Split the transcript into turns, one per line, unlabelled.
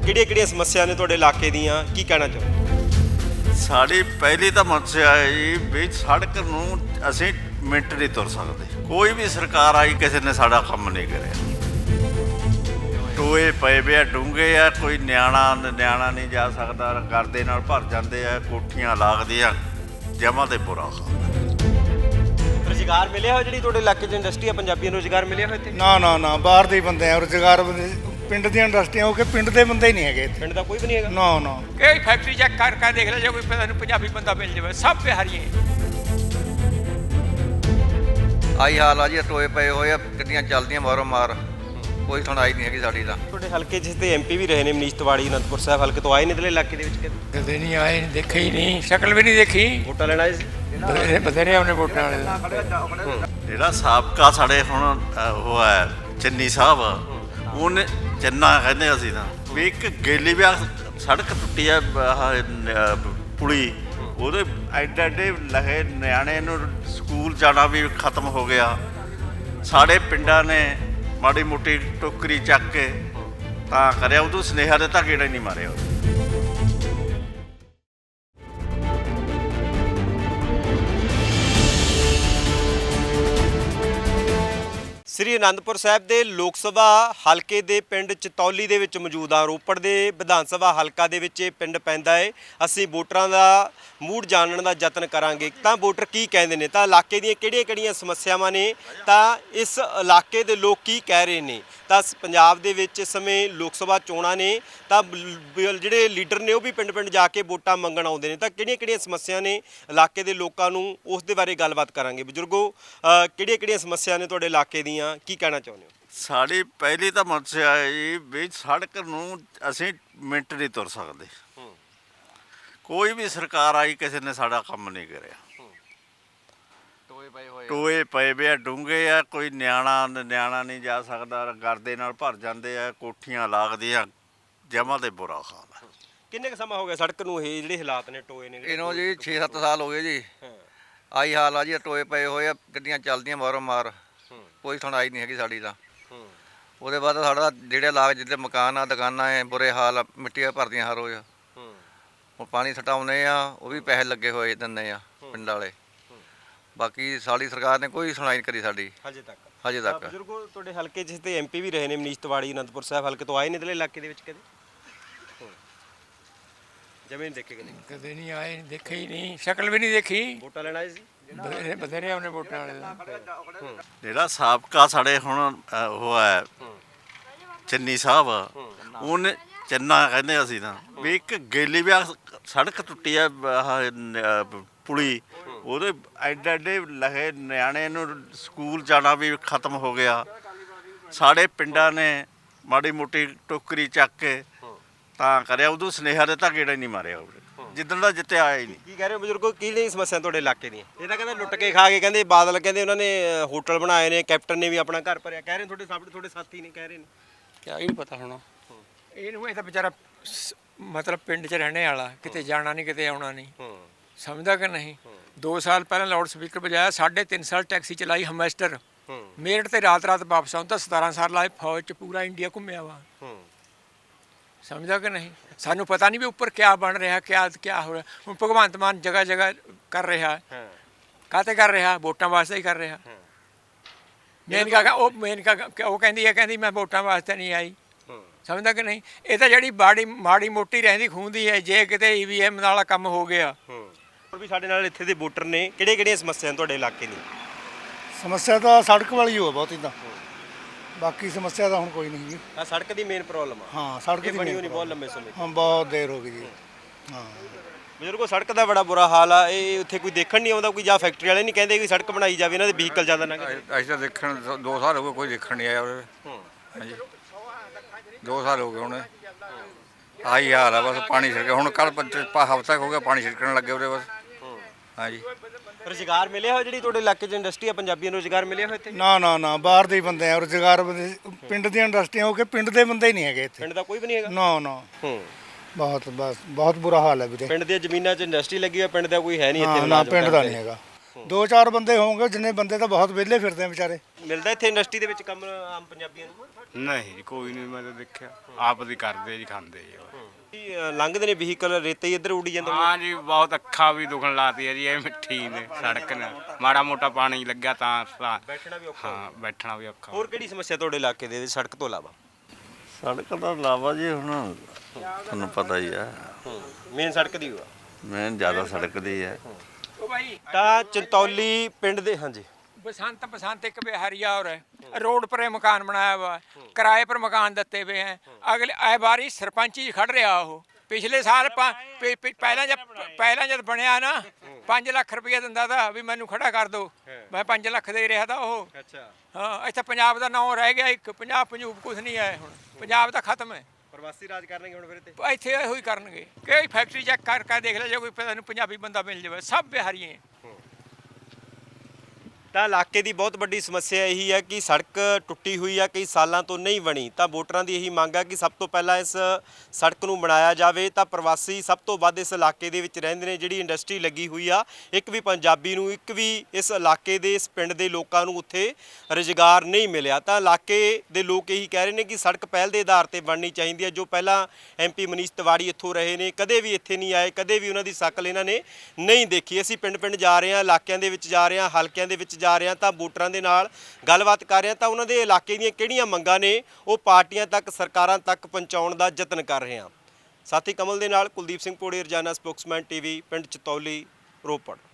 ਕਿਹੜੀਆਂ ਸਮੱਸਿਆ ਨੇ ਤੁਹਾਡੇ ਇਲਾਕੇ ਦੀਆਂ, ਕੀ ਕਹਿਣਾ ਚਾਹੋ?
ਸਾਡੀ ਪਹਿਲੀ ਤਾਂ ਸਮੱਸਿਆ ਹੈ ਜੀ ਵੀ ਸੜਕ ਨੂੰ ਅਸੀਂ ਮਿੰਟ ਨਹੀਂ ਤੁਰ ਸਕਦੇ। ਕੋਈ ਵੀ ਸਰਕਾਰ ਆਈ ਕਿਸੇ ਨੇ ਸਾਡਾ ਕੰਮ ਨਹੀਂ ਕਰਿਆ। ਟੋਏ ਪਏ ਵੇ ਆ, ਡੂੰਘੇ ਆ, ਕੋਈ ਨਿਆਣਾ ਨਹੀਂ ਜਾ ਸਕਦਾ, ਗਰਦੇ ਨਾਲ ਭਰ ਜਾਂਦੇ ਆ, ਕੋਠੀਆਂ ਲੱਗਦੀਆਂ, ਜਮਾਂ ਤੇ ਬੁਰਾ ਹਾਲ।
ਰੁਜ਼ਗਾਰ ਮਿਲਿਆ ਹੋਇਆ ਜਿਹੜੀ ਤੁਹਾਡੇ ਇਲਾਕੇ 'ਚ ਇੰਡਸਟਰੀ ਆ, ਪੰਜਾਬੀਆਂ ਨੂੰ ਰੁਜ਼ਗਾਰ ਮਿਲਿਆ ਹੋਇਆ ਇੱਥੇ?
ਨਾ ਬਾਹਰ ਦੇ ਹੀ ਬੰਦੇ ਆ ਰੁਜ਼ਗਾਰ। ਪਿੰਡ ਦੀਆਂ ਇੰਡਸਟਰੀਆਂ ਹੋ ਕੇ ਪਿੰਡ ਦੇ ਬੰਦੇ ਹੀ ਨਹੀਂ ਹੈਗੇ ਇੱਥੇ।
ਪਿੰਡ ਦਾ ਕੋਈ ਵੀ ਨਹੀਂ ਹੈਗਾ?
ਨਾ
ਇਹ ਫੈਕਟਰੀ ਚੈੱਕ ਕਰ ਦੇਖ ਲੈ, ਜੇ ਕੋਈ ਪਤਾ ਨਹੀਂ ਪੰਜਾਬੀ ਬੰਦਾ ਮਿਲ ਜਾਵੇ, ਸਭ ਬਿਹਾਰੀ ਹੈ।
ਆਈ ਹਾਲ ਆ ਜੀ, ਟੋਏ ਪਏ ਹੋਏ ਆ, ਗੱਡੀਆਂ ਚੱਲਦੀਆਂ ਮਾਰੋ ਮਾਰ, ਕੋਈ ਸੁਣਾਈ ਨਹੀਂ ਹੈਗੀ ਸਾਡੀ ਤਾਂ।
ਤੁਹਾਡੇ ਹਲਕੇ 'ਚ ਤੇ ਐਮਪੀ ਵੀ ਰਹੇ ਨੇ ਮਨੀਸ਼ ਤਿਵਾੜੀ, ਅਨੰਦਪੁਰ ਸਾਹਿਬ ਹਲਕੇ ਤੋਂ ਆਏ ਨੇ ਇਧਰਲੇ ਇਲਾਕੇ ਦੇ ਵਿੱਚ ਕਦੇ?
ਕਦੇ ਨਹੀਂ ਆਏ, ਦੇਖੇ ਹੀ ਨਹੀਂ, ਸ਼ਕਲ ਵੀ ਨਹੀਂ ਦੇਖੀ।
ਵੋਟਾਂ ਲੈਣ ਆਏ ਸੀ?
ਬਥੇਰੇ ਉਹਨੇ ਵੋਟਾਂ ਵਾਲੇ ਦਾ।
ਜਿਹੜਾ ਸਾਬਕਾ ਸਾਡੇ ਹੁਣ ਉਹ ਹੈ ਚੰਨੀ ਸਾਹਿਬ, ਉਹਨੇ ਚੰਨਾ ਕਹਿੰਦੇ ਅਸੀਂ ਤਾਂ ਵੀ ਇੱਕ ਗੇਲੀ ਵਿਆਹ ਸੜਕ ਟੁੱਟੀ ਆ, ਪੁਲੀ, ਉਹਦੇ ਐਡੇ ਲਹੇ ਨਿਆਣੇ ਨੂੰ ਸਕੂਲ ਜਾਣਾ ਵੀ ਖਤਮ ਹੋ ਗਿਆ। ਸਾਡੇ ਪਿੰਡਾਂ ਨੇ ਮਾੜੀ ਮੋਟੀ ਟੋਕਰੀ ਚੱਕ ਕੇ ਤਾਂ ਕਰਿਆ, ਉਦੋਂ ਸੁਨੇਹਾ ਦਿੱਤਾ, ਗੇੜਾ ਹੀ ਨਹੀਂ ਮਾਰਿਆ।
ਸ੍ਰੀ ਅਨੰਦਪੁਰ ਸਾਹਿਬ ਦੇ ਲੋਕ ਸਭਾ ਹਲਕੇ ਦੇ ਪਿੰਡ ਚਤੌਲੀ ਦੇ ਵਿੱਚ ਮੌਜੂਦ ਹਾਂ। ਰੋਪੜ ਦੇ ਵਿਧਾਨ ਸਭਾ ਹਲਕਾ ਦੇ ਵਿੱਚ ਇਹ ਪਿੰਡ ਪੈਂਦਾ ਹੈ। ਅਸੀਂ ਵੋਟਰਾਂ ਦਾ ਮੂਡ ਜਾਣਨ ਦਾ ਯਤਨ ਕਰਾਂਗੇ ਤਾਂ ਵੋਟਰ ਕੀ ਕਹਿੰਦੇ ਨੇ, ਤਾਂ ਇਲਾਕੇ ਦੀਆਂ ਕਿਹੜੀਆਂ ਸਮੱਸਿਆਵਾਂ ਨੇ, ਤਾਂ ਇਸ ਇਲਾਕੇ ਦੇ ਲੋਕ ਕੀ ਕਹਿ ਰਹੇ ਨੇ। ਤਾਂ ਪੰਜਾਬ ਦੇ ਵਿੱਚ ਇਸ ਸਮੇਂ ਲੋਕ ਸਭਾ ਚੋਣਾਂ ਨੇ, ਤਾਂ ਜਿਹੜੇ ਲੀਡਰ ਨੇ ਉਹ ਵੀ ਪਿੰਡ ਜਾ ਕੇ ਵੋਟਾਂ ਮੰਗਣ ਆਉਂਦੇ ਨੇ। ਤਾਂ ਕਿਹੜੀਆਂ ਸਮੱਸਿਆ ਨੇ ਇਲਾਕੇ ਦੇ ਲੋਕਾਂ ਨੂੰ, ਉਸ ਦੇ ਬਾਰੇ ਗੱਲਬਾਤ ਕਰਾਂਗੇ। ਬਜ਼ੁਰਗੋ, ਕਿਹੜੀਆਂ ਸਮੱਸਿਆ ਨੇ ਤੁਹਾਡੇ ਇਲਾਕੇ ਦੀਆਂ, ਕੀ ਕਹਿਣਾ ਚਾਹੁੰਦੇ ਹੋ?
ਸਾਡੀ ਪਹਿਲੀ ਤਾਂ ਸਮੱਸਿਆ ਹੈ ਜੀ ਵੀ ਸੜਕ ਨੂੰ ਅਸੀਂ ਮਿੰਟ ਨਹੀਂ ਤੁਰ ਸਕਦੇ। ਕੋਈ ਵੀ ਸਰਕਾਰ ਆਈ ਕਿਸੇ ਨੇ ਸਾਡਾ ਕੰਮ ਨਹੀਂ ਕਰਿਆ। ਟੋਏ ਪਏ ਵੇ ਆ, ਡੂੰਘੇ ਆ, ਕੋਈ ਨਿਆਣਾ ਨਹੀਂ ਜਾ ਸਕਦਾ, ਗਰਦੇ ਨਾਲ ਭਰ ਜਾਂਦੇ ਆ, ਕੋਠੀਆਂ ਲੱਗਦੀਆਂ, ਜਮਾਂ ਤੇ ਬੁਰਾ ਹਾਲ ਹੈ।
ਕਿੰਨੇ ਕੁ ਸਮਾਂ ਹੋ ਗਿਆ ਸੜਕ ਨੂੰ, ਇਹ ਜਿਹੜੇ ਹਾਲਾਤ ਨੇ ਟੋਏ ਨੇ?
ਇਹਨੂੰ ਜੀ 6-7 ਸਾਲ ਹੋ ਗਏ ਜੀ। ਆਈ ਹਾਲ ਆ ਜੀ, ਟੋਏ ਪਏ ਹੋਏ ਆ, ਗੱਡੀਆਂ ਚੱਲਦੀਆਂ ਮਾਰੋ ਮਾਰ, ਕੋਈ ਸੁਣਾਈ ਨਹੀਂ ਹੈਗੀ ਸਾਡੀ ਤਾਂ। ਉਹਦੇ ਬਾਅਦ ਸਾਡਾ ਜਿਹੜੇ ਲਾਗ ਜਿੱਦੇ ਮਕਾਨ ਆ, ਦੁਕਾਨਾਂ ਐ, ਬੁਰੇ ਹਾਲ ਆ, ਮਿੱਟੀਆਂ ਭਰਦੀਆਂ ਹਰ ਰੋਜ਼। ਹੁਣ ਪਾਣੀ ਸਟਾਉਂਦੇ ਆ, ਉਹ ਵੀ ਪੈਸੇ ਲੱਗੇ ਹੋਏ ਦਿੰਦੇ ਆ ਪਿੰਡ ਵਾਲੇ। ਬਾਕੀ ਸਾਡੀ ਸਰਕਾਰ ਨੇ ਕੋਈ ਸੁਣਾਈ ਨਹੀਂ ਕਰੀ ਸਾਡੀ ਹਜੇ ਤੱਕ।
ਬਜ਼ੁਰਗੋ, ਤੁਹਾਡੇ ਹਲਕੇ 'ਚ ਤੇ ਐਮਪੀ ਵੀ ਰਹੇ ਨੇ ਮਨੀਸ਼ ਤਿਵਾੜੀ, ਅਨੰਦਪੁਰ ਸਾਹਿਬ ਹਲਕੇ ਤੋਂ ਆਏ ਨੇ ਇਧਰਲੇ ਇਲਾਕੇ ਦੇ ਵਿੱਚ ਕਦੇ? ਜਮੀਨ ਦੇਖੇ
ਕਦੇ ਨਹੀਂ ਆਏ, ਦੇਖੇ ਹੀ ਨਹੀਂ, ਸ਼ਕਲ ਵੀ ਨਹੀਂ ਦੇਖੀ।
ਵੋਟਾਂ ਲੈਣ ਆਏ ਸੀ?
ਬਥੇਰੇ ਉਹਨੇ ਵੋਟਾਂ ਵਾਲੇ ਦਾ।
ਜਿਹੜਾ ਸਾਬਕਾ ਸਾਡੇ ਹੁਣ ਉਹ ਹੈ ਚੰਨੀ ਸਾਹਿਬ, ਉਹਨੇ ਚੰਨਾ ਕਹਿੰਦੇ ਅਸੀਂ ਤਾਂ ਵੀ ਇੱਕ ਗੇਲੀ ਵਿਆਹ ਸੜਕ ਟੁੱਟੀ ਆ, ਪੁਲੀ, ਉਹਦੇ ਐਡੇ ਲਹੇ ਨਿਆਣੇ ਨੂੰ ਸਕੂਲ ਜਾਣਾ ਵੀ ਖਤਮ ਹੋ ਗਿਆ। ਸਾਡੇ ਪਿੰਡਾਂ ਨੇ ਮਾੜੀ ਮੋਟੀ ਟੋਕਰੀ ਚੱਕ ਕੇ ਤਾਂ ਕਰਿਆ, ਉਦੋਂ ਸੁਨੇਹਾ ਦਿੱਤਾ, ਗੇੜਾ ਹੀ ਨਹੀਂ ਮਾਰਿਆ। ਜਿੱਦਣ ਦਾ ਜਿੱਤੇ ਆਇਆ ਹੀ ਨਹੀਂ।
ਕੀ ਕਹਿ ਰਹੇ ਹੋ ਬਜ਼ੁਰਗੋ, ਕਿਹੜੀਆਂ ਸਮੱਸਿਆ ਤੁਹਾਡੇ ਇਲਾਕੇ ਦੀਆਂ? ਇਹ ਤਾਂ ਕਹਿੰਦੇ ਲੁੱਟ ਕੇ ਖਾ ਕੇ, ਕਹਿੰਦੇ ਬਾਦਲ ਕਹਿੰਦੇ ਉਹਨਾਂ ਨੇ ਹੋਟਲ ਬਣਾਏ ਨੇ, ਕੈਪਟਨ ਨੇ ਵੀ ਆਪਣਾ ਘਰ ਭਰਿਆ, ਕਹਿ ਰਹੇ ਤੁਹਾਡੇ ਸਾਥੀ ਨੇ ਕਹਿ ਰਹੇ ਨੇ।
ਕਿਆ ਹੀ ਨਹੀਂ ਪਤਾ ਹੋਣਾ ਇਹਨੂੰ। ਇਹ ਤਾਂ ਵਿਚਾਰਾ ਮਤਲਬ ਪਿੰਡ 'ਚ ਰਹਿਣੇ ਵਾਲਾ, ਕਿਤੇ ਜਾਣਾ ਨਹੀਂ, ਕਿਤੇ ਆਉਣਾ ਨਹੀਂ, ਸਮਝਦਾ ਕਿ ਨਹੀਂ। 2 ਸਾਲ ਪਹਿਲਾਂ ਲਾਊਡ ਸਪੀਕਰ ਵਜਾਇਆ, 3.5 ਸਾਲ ਟੈਕਸੀ ਚਲਾਈ ਹਮੈਸਟਰ, ਮੇਰਠ ਤੇ ਰਾਤ ਵਾਪਸ ਆਉਂਦਾ। 17 ਸਾਲ ਲਾਏ ਫੌਜ 'ਚ, ਪੂਰਾ ਇੰਡੀਆ ਘੁੰਮਿਆ ਵਾ, ਸਮਝਦਾ ਕਿ ਨਹੀਂ। ਸਾਨੂੰ ਪਤਾ ਨਹੀਂ ਵੀ ਉੱਪਰ ਕਿਆ ਬਣ ਰਿਹਾ, ਕਿਆ ਹੋ ਰਿਹਾ। ਹੁਣ ਭਗਵੰਤ ਮਾਨ ਜਗ੍ਹਾ ਕਰ ਰਿਹਾ, ਕਾਹਤੇ ਕਰ ਰਿਹਾ? ਵੋਟਾਂ ਵਾਸਤੇ ਹੀ ਕਰ ਰਿਹਾ। ਉਹ ਕਹਿੰਦੀ ਮੈਂ ਵੋਟਾਂ ਵਾਸਤੇ ਨਹੀਂ ਆਈ, ਸਮਝਦਾ ਕਿ ਨਹੀਂ। ਇਹ ਤਾਂ ਜਿਹੜੀ ਮਾੜੀ ਮੋਟੀ ਰਹਿੰਦੀ ਖੂੰਦੀ ਹੈ, ਜੇ ਕਿਤੇ EVM ਵਾਲਾ ਕੰਮ ਹੋ ਗਿਆ।
ਹੋਰ ਵੀ ਸਾਡੇ ਨਾਲ ਇੱਥੇ ਦੇ ਵੋਟਰ ਨੇ, ਕਿਹੜੀਆਂ ਸਮੱਸਿਆ ਤੁਹਾਡੇ ਇਲਾਕੇ ਦੀ?
ਸਮੱਸਿਆ ਤਾਂ ਸੜਕ ਵਾਲੀ ਹੋ ਬਹੁਤ ਹੀ ਤਾਂ, ਬਾਕੀ ਸਮੱਸਿਆ ਤਾਂ ਹੁਣ ਕੋਈ ਨਹੀਂ ਜੀ।
ਆ ਸੜਕ ਦੀ ਮੇਨ ਪ੍ਰੋਬਲਮ ਆ।
ਹਾਂ, ਸੜਕ ਦੀ
ਬਣੀ ਹੋਣੀ ਬਹੁਤ ਲੰਮੇ ਸਮੇਂ।
ਹਾਂ, ਬਹੁਤ ਦੇਰ ਹੋ ਗਈ ਜੀ। ਹਾਂ
ਬਜ਼ੁਰਗੋ, ਸੜਕ ਦਾ ਬੜਾ ਬੁਰਾ ਹਾਲ ਆ। ਇਹ ਉੱਥੇ ਕੋਈ ਦੇਖਣ ਨਹੀਂ ਆਉਂਦਾ, ਕੋਈ ਜਾਂ ਫੈਕਟਰੀ ਵਾਲੇ ਨਹੀਂ ਕਹਿੰਦੇ ਕਿ ਸੜਕ ਬਣਾਈ ਜਾਵੇ, ਇਹਨਾਂ ਦੇ ਵਹੀਕਲ ਜ਼ਿਆਦਾ ਨਾ।
ਅਸੀਂ ਤਾਂ ਦੇਖਣ 2 ਸਾਲ ਹੋ ਗਏ, ਕੋਈ ਦੇਖਣ ਨਹੀਂ ਆਇਆ ਉਰੇ। ਹਾਂਜੀ, 2 ਸਾਲ ਹੋ ਗਏ ਹੁਣ। ਆਹੀ ਹਾਲ ਆ ਬਸ, ਪਾਣੀ ਛਿੜਕ। ਹੁਣ ਕੱਲ ਹਫ਼ਤਾ ਹੋ ਗਿਆ ਪਾਣੀ ਛਿੜਕਣ ਲੱਗੇ ਉਰੇ ਬਸ। ਹਾਂਜੀ,
ਰੁਜ਼ਗਾਰ ਮਿਲਿਆ ਹੋਇਆ ਜਿਹੜੀ ਤੁਹਾਡੇ ਇਲਾਕੇ 'ਚ ਇੰਡਸਟਰੀ ਆ, ਪੰਜਾਬੀਆਂ ਨੂੰ ਰੁਜ਼ਗਾਰ ਮਿਲਿਆ ਹੋਇਆ ਇੱਥੇ?
ਨਾ ਬਾਹਰ ਦੇ ਹੀ ਬੰਦੇ ਆ ਰੁਜ਼ਗਾਰ। ਪਿੰਡ ਦੀਆਂ ਇੰਡਸਟਰੀਆਂ ਹੋ ਕੇ ਪਿੰਡ ਦੇ ਬੰਦੇ ਹੀ ਨਹੀਂ ਹੈਗੇ ਇੱਥੇ।
ਪਿੰਡ ਦਾ ਕੋਈ ਵੀ ਨਹੀਂ ਹੈਗਾ?
ਨਾ ਬਹੁਤ ਬੁਰਾ ਹਾਲ ਹੈ ਵੀਰੇ।
ਪਿੰਡ ਦੀਆਂ ਜ਼ਮੀਨਾਂ 'ਚ ਇੰਡਸਟਰੀ ਲੱਗੀ ਹੋਈ, ਪਿੰਡ ਦਾ ਕੋਈ ਹੈ ਨਹੀਂ ਇੱਥੇ?
ਨਾ, ਪਿੰਡ ਦਾ ਨਹੀਂ ਹੈਗਾ। 2-4 ਬੰਦੇ ਹੋਣਗੇ, ਜਿੰਨੇ ਬੰਦੇ ਤਾਂ ਬਹੁਤ ਵਿਹਲੇ ਫਿਰਦੇ ਆ ਵਿਚਾਰੇ।
ਮਿਲਦਾ ਇੱਥੇ ਇੰਡਸਟਰੀ ਦੇ ਵਿੱਚ ਕੰਮ ਆਮ ਪੰਜਾਬੀਆਂ ਨੂੰ?
ਨਹੀਂ ਕੋਈ ਨਹੀਂ, ਮੈਂ ਤਾਂ ਦੇਖਿਆ ਆਪ ਦੀ ਕਰਦੇ ਜੀ, ਖਾਂਦੇ ਜੀ ਉਹ।
ਕੀ ਲੰਘਦੇ ਨੇ ਵਹੀਕਲ, ਰੇਤੇ ਹੀ ਇੱਧਰ ਉੱਡੀ ਜਾਂਦਾ?
ਹਾਂ ਜੀ, ਬਹੁਤ ਅੱਖਾਂ ਵੀ ਦੁਖਣ ਲਾਤੀ ਹੈ ਜੀ, ਇਹ ਮਿੱਠੀ ਨੇ ਸੜਕ ਨੇ, ਮਾੜਾ ਮੋਟਾ ਪਾਣੀ ਲੱਗਾ ਤਾਂ
ਬੈਠਣਾ ਵੀ ਔਖਾ।
ਹਾਂ ਬੈਠਣਾ ਵੀ ਔਖਾ।
ਹੋਰ ਕਿਹੜੀ ਸਮੱਸਿਆ ਤੁਹਾਡੇ ਇਲਾਕੇ ਦੇ ਵਿੱਚ ਸੜਕ ਤੋਂ ਇਲਾਵਾ?
ਸੜਕ ਦਾ ਇਲਾਵਾ ਜੀ ਹੁਣ ਤੁਹਾਨੂੰ ਪਤਾ ਹੀ ਆ,
ਮੇਨ ਸੜਕ ਦੀ ਹੋਆ
ਮੈਂ ਜ਼ਿਆਦਾ ਸੜਕ ਦੀ ਹੈ।
ਉਹ ਭਾਈ
ਤਾਂ ਚੰਤੌਲੀ ਪਿੰਡ ਦੇ, ਹਾਂਜੀ
बसंत एक बिहारिया और है, रोड पर ये मकान बनाया हुआ है, किराए पर मकान देते हुए हैं। अगले आए बारी सरपंच जी खड़ रहा हो, पिछले साल पहला जब बनया ना 5 ਲੱਖ रुपया दिंदा था भी मैनू खड़ा कर दो, मैं 5 ਲੱਖ दे रहा था वो।
ਅੱਛਾ,
हाँ इतना पंजाब का नाम रह गया, एक पंजाब कुछ नहीं है हुण, पंजाब तो खत्म है।
ਪ੍ਰਵਾਸੀ ਰਾਜ ਕਰਨਗੇ ਹੁਣ ਫਿਰ ਇੱਥੇ?
ਇੱਥੇ ਇਹੋ ਹੀ ਕਰਨਗੇ ਕਿ ਫੈਕਟਰੀ ਚੈੱਕ ਕਰਕੇ ਦੇਖ ਲੈ, ਜੇ ਕੋਈ ਤੁਹਾਨੂੰ ਪੰਜਾਬੀ ਬੰਦਾ ਮਿਲ ਜਾਵੇ, ਸਭ ਬਿਹਾਰੀ ਹੈ।
ਤਾਂ ਇਲਾਕੇ ਦੀ ਬਹੁਤ ਵੱਡੀ ਸਮੱਸਿਆ ਇਹੀ ਹੈ ਕਿ ਸੜਕ ਟੁੱਟੀ ਹੋਈ ਆ, ਕਈ ਸਾਲਾਂ ਤੋਂ ਨਹੀਂ ਬਣੀ। ਤਾਂ ਵੋਟਰਾਂ ਦੀ ਇਹੀ ਮੰਗ ਆ ਕਿ ਸਭ ਤੋਂ ਪਹਿਲਾਂ ਇਸ ਸੜਕ ਨੂੰ ਬਣਾਇਆ ਜਾਵੇ। ਤਾਂ ਪ੍ਰਵਾਸੀ ਸਭ ਤੋਂ ਵੱਧ ਇਸ ਇਲਾਕੇ ਦੇ ਵਿੱਚ ਰਹਿੰਦੇ ਨੇ। ਜਿਹੜੀ ਇੰਡਸਟਰੀ ਲੱਗੀ ਹੋਈ ਆ, ਇੱਕ ਵੀ ਪੰਜਾਬੀ ਨੂੰ, ਇੱਕ ਵੀ ਇਸ ਇਲਾਕੇ ਦੇ, ਇਸ ਪਿੰਡ ਦੇ ਲੋਕਾਂ ਨੂੰ ਉੱਥੇ ਰੁਜ਼ਗਾਰ ਨਹੀਂ ਮਿਲਿਆ। ਤਾਂ ਇਲਾਕੇ ਦੇ ਲੋਕ ਇਹੀ ਕਹਿ ਰਹੇ ਨੇ ਕਿ ਸੜਕ ਪਹਿਲ ਦੇ ਆਧਾਰ ਤੇ ਬਣਨੀ ਚਾਹੀਦੀ ਹੈ। ਜੋ ਪਹਿਲਾਂ MP ਮਨੀਸ਼ ਤਿਵਾੜੀ ਇੱਥੋਂ ਰਹੇ ਨੇ, ਕਦੇ ਵੀ ਇੱਥੇ ਨਹੀਂ ਆਏ, ਕਦੇ ਵੀ ਉਹਨਾਂ ਦੀ ਸ਼ਕਲ ਇਹਨਾਂ ਨੇ ਨਹੀਂ ਦੇਖੀ। ਅਸੀਂ ਪਿੰਡ ਜਾ ਰਹੇ ਹਾਂ, ਇਲਾਕਿਆਂ ਦੇ ਵਿੱਚ ਜਾ ਰਹੇ ਹਾਂ, ਹਲਕਿਆਂ ਦੇ ਵਿੱਚ ਜਾ ਰਹੇ ਹਾਂ, ਤਾਂ ਵੋਟਰਾਂ ਦੇ ਨਾਲ ਗੱਲਬਾਤ ਕਰ ਰਹੇ ਹਾਂ। ਤਾਂ ਉਹਨਾਂ ਦੇ ਇਲਾਕੇ ਦੀਆਂ ਕਿਹੜੀਆਂ ਮੰਗਾਂ ਨੇ ਉਹ ਪਾਰਟੀਆਂ ਤੱਕ, ਸਰਕਾਰਾਂ ਤੱਕ ਪਹੁੰਚਾਉਣ ਦਾ ਯਤਨ ਕਰ ਰਹੇ ਹਾਂ। ਸਾਥੀ ਕਮਲ ਦੇ ਨਾਲ ਕੁਲਦੀਪ ਸਿੰਘ ਪੋੜੀ, ਰੋਜ਼ਾਨਾ ਸਪੋਕਸਮੈਨ TV, ਪਿੰਡ ਚਤੌਲੀ, ਰੋਪੜ।